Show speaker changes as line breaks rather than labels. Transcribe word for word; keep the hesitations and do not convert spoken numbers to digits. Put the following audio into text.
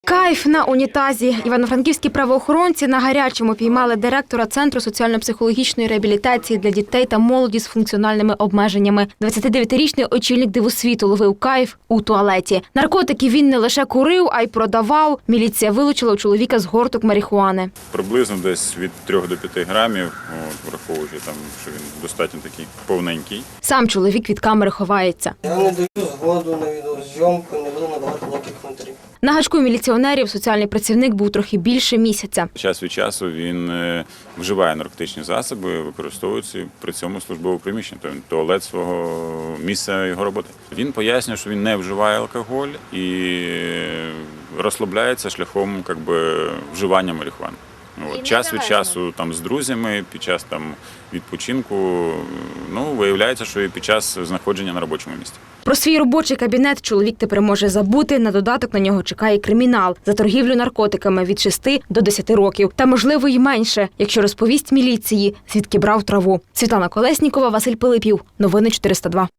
Кайф на унітазі. Івано-франківські правоохоронці на гарячому піймали директора Центру соціально-психологічної реабілітації для дітей та молоді з функціональними обмеженнями. двадцятидев'ятирічний очільник Дивосвіту ловив кайф у туалеті. Наркотики він не лише курив, а й продавав. Міліція вилучила у чоловіка згорток марихуани.
Приблизно десь від трьох до п'яти грамів, от, враховуючи, там, що він достатньо такий повненький.
Сам чоловік від камери ховається.
Я не даю згоду на відеозйомку, не буду надавати ніяких коментарів.
На гачку міліціонерів соціальний працівник був трохи більше місяця.
Час від часу він вживає наркотичні засоби, використовується при цьому службове приміщення, тобто туалет свого місця його роботи. Він пояснює, що він не вживає алкоголь і розслабляється шляхом как би, вживання марихуани. От, час від часу там, з друзями, під час там, відпочинку, ну, виявляється, що і під час знаходження на робочому місці.
Про свій робочий кабінет чоловік тепер може забути, на додаток на нього чекає кримінал за торгівлю наркотиками від шести до десяти років. Та, можливо, й менше, якщо розповість міліції, звідки брав траву. Світлана Колеснікова, Василь Пилипів. Новини чотириста два.